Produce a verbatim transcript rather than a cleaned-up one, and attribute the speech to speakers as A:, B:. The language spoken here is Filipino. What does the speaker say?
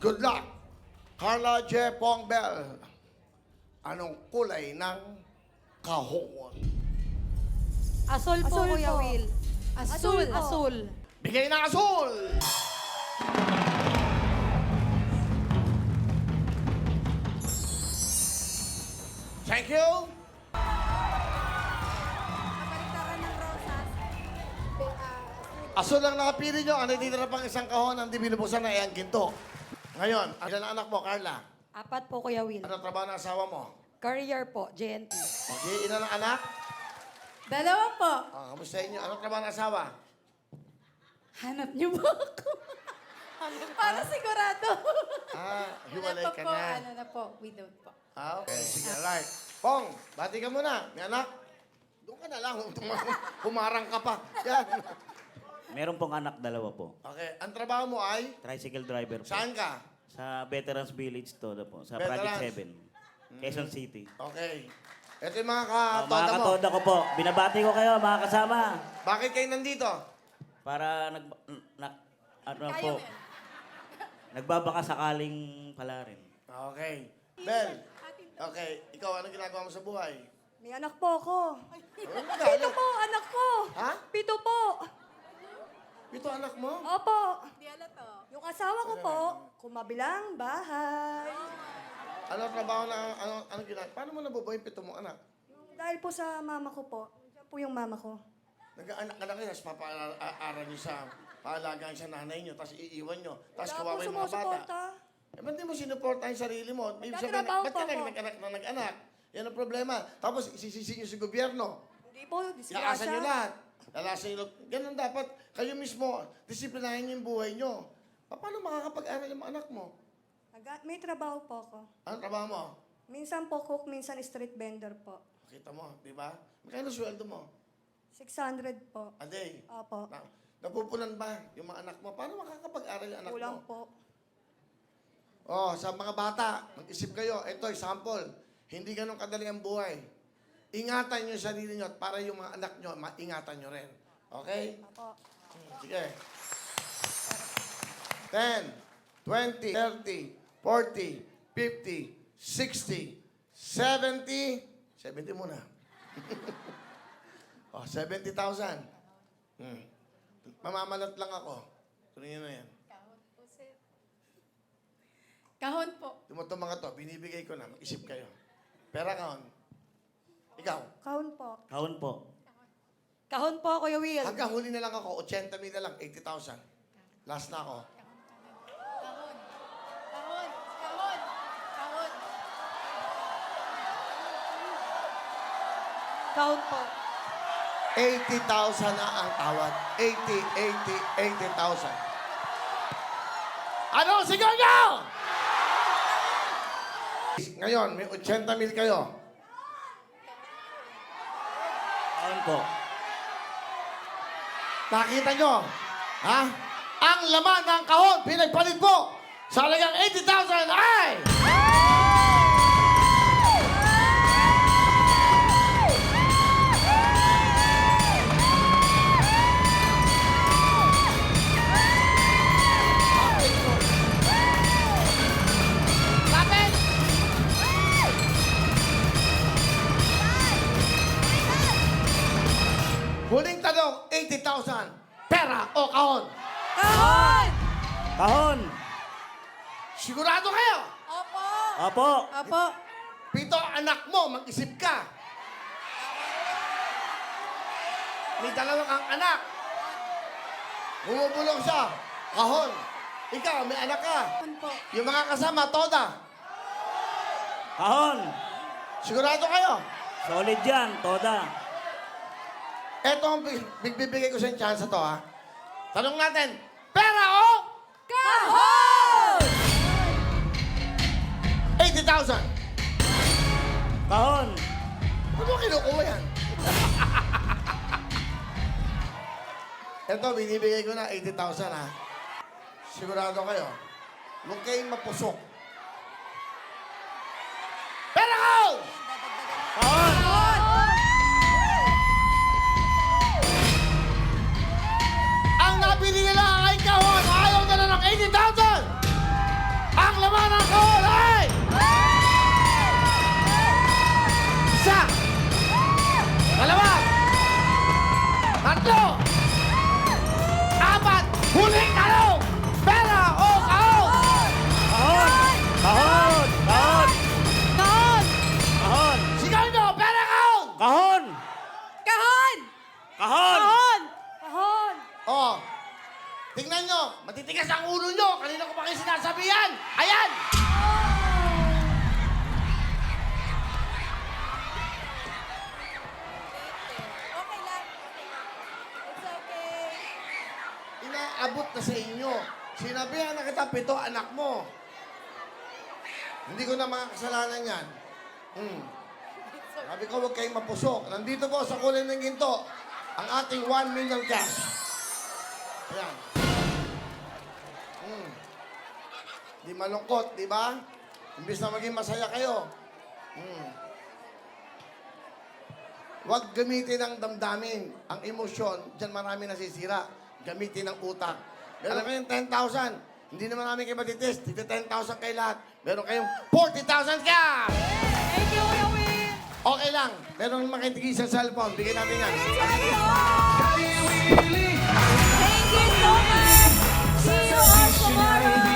A: Good luck. Carla J. Pongbel. Anong kulay ng kahon?
B: Asul po,
C: Asul
B: Kuya
C: po.
B: Will. Asul.
C: Asul po.
B: Asul.
A: Bigay ng asul! Thank you.
C: Kabaliktaran ng rosas.
A: Asul ang nakapili nyo. Ano dito na pang isang kahon ang di binubusan na iyang ginto. Ngayon, ilan ang anak mo, Carla?
B: Apat po, Kuya Will.
A: Ano trabaho ng asawa mo?
B: Career po, J N T.
A: Okay, ilan ang anak?
C: Dalawa po.
A: Ah, kamusta inyo? Ano trabaho ng asawa?
C: Hanap niyo ba ako? Para sigurado.
A: Ah, hiwalay
C: Ano
A: ka
C: po,
A: na.
C: Ano na po, without po.
A: Ah, okay. Sige, alright. Pong, bati ka muna. May anak? Doon ka na lang. Humarang ka pa. Yan.
D: Meron pong anak, dalawa po.
A: Okay. Ang trabaho mo ay?
D: Tricycle driver po.
A: Saan ka?
D: Sa Veterans Village to po. Sa
A: Veterans.
D: Project seven. Quezon City.
A: Okay. Ito yung mga
D: Ah,
A: katoda
D: mga
A: mo.
D: katoda ko po. Binabati ko kayo, mga kasama.
A: Bakit kayo nandito?
D: Para nag... Na, ano po. Nagbabaka sakaling pala rin.
A: Okay. Bel. Okay. Ikaw, ano ginagawa mo sa buhay?
C: May anak po ako.
A: Ano
C: Pito
A: galit?
C: po, anak ko.
A: Ha?
C: Pito po.
A: Ito anak mo?
C: Opo. Yung asawa ko po, kumabilang bahay.
A: Ano trabaho na, ano, ano ginagawa? Paano mo nabubuhay yung pito mong anak?
C: Dahil po sa mama ko po. Diyan po yung mama ko.
A: Nag-anak ka na kayo, tapos papaaral nyo sa paalagaan sa nanay nyo, tapos iiwan nyo, tapos
C: Wala po
A: kawawa yung mga bata.
C: sumusuporta.
A: Eh, ba't di mo sinuporta yung sarili mo? May sabihin,
C: Nagtatrabaho
A: ba't ka
C: po ako.
A: nag-anak na nag-anak? Yan ang problema. Tapos isisisi nyo sa gobyerno.
C: Hindi po,
A: Yaasan
C: disgrasya.
A: nyo lahat. Lalasan nyo lahat. Ganun dapat. Kayo mismo, disiplinahin nyo yung buhay nyo. Pa- Paano makakapag-aral yung mga anak mo?
C: Nag- May trabaho po ako.
A: Anong trabaho mo?
C: Minsan po cook, minsan street vendor po.
A: Kita mo, di ba? Magkano sweldo mo?
C: six hundred po.
A: A day.
C: Opo.
A: Na, napupunan ba yung mga anak mo? Paano makakapag-aral yung anak
C: Kulang
A: mo?
C: po.
A: Oh, sa mga bata, mag-isip kayo. Ito, example. Hindi ganun kadali ang buhay. Ingatan nyo yung sarili nyo at para yung mga anak nyo, maingatan nyo rin. Okay?
C: Opo.
A: Sige. ten, twenty, thirty, forty, fifty, sixty, seventy, seventy muna. oh, seventy thousand. Hmm. Mamamalat lang ako. Tuloy nyo na yan.
C: Kahon po.
A: Tumutong mga to, binibigay ko na. Mag-isip kayo. Pera kahon. Ikaw.
C: Kahon po.
D: Kaon po.
B: Kahon po, Kuya Will.
A: Hanggang huli na lang ako, eighty mil na lang, eighty thousand. Last na ako.
C: Kahon. Kahon. Kahon.
B: Kahon po.
A: eighty thousand na ang tawad. eighty, eighty, eighty thousand. Ano? Sigaw nyo! Ngayon, may eighty mil kayo.
D: Kaon po.
A: Nakita nyo? Ha? Ang laman ng kahon, pinagpalit po sa halagang eighty thousand ay... Lapit! Huling tanong, eighty thousand. Pera o kahon?
B: Kahon!
D: Kahon!
A: Sigurado kayo?
C: Opo.
D: Opo!
C: Opo.
A: Pito, anak mo, mag-isip ka. May dalawang kang anak. Bumubulong siya. Kahon. Ikaw, may anak ka.
C: Kahon po.
A: Yung mga kasama, toda.
D: Kahon!
A: Sigurado kayo?
D: Solid yan, toda.
A: Eto ang bi- bigbibigay ko sa inyo chance to, ha? Tanong natin, pera o
C: Kahon!
A: eighty thousand?
D: Kahon!
A: Ano mo kinukuha yan? Eto, binibigay ko na eighty thousand, ha? Sigurado kayo? Huwag kayong mapusok. Pera ko!
D: Kahon!
A: Ang nabili nila ay kahon. Ayaw na lang ng eighty thousand. sinasabihan. Ayan!
C: Okay lang. It's okay.
A: Inaabot na sa inyo. Sinabihan na kita, pito anak mo. Hindi ko na mga kasalanan yan. Hmm. Sabi ko, huwag kayong mapusok. Nandito po sa kulay ng ginto, ang ating one million cash. Ayan. Hmm. Di malungkot, di ba? Imbis na maging masaya kayo. Hmm. Huwag gamitin ang damdamin, ang emosyon. Diyan marami nasisira. Gamitin ang utak. Meron kayong ten thousand. Hindi naman namin kayo matitest. Dito ten thousand kayo lahat. Meron kayong forty thousand cash!
B: Thank you, Kuya Will.
A: Okay lang. Meron makitigis sa cellphone. Bigyan natin yan.
C: Thank you so much. See you all tomorrow.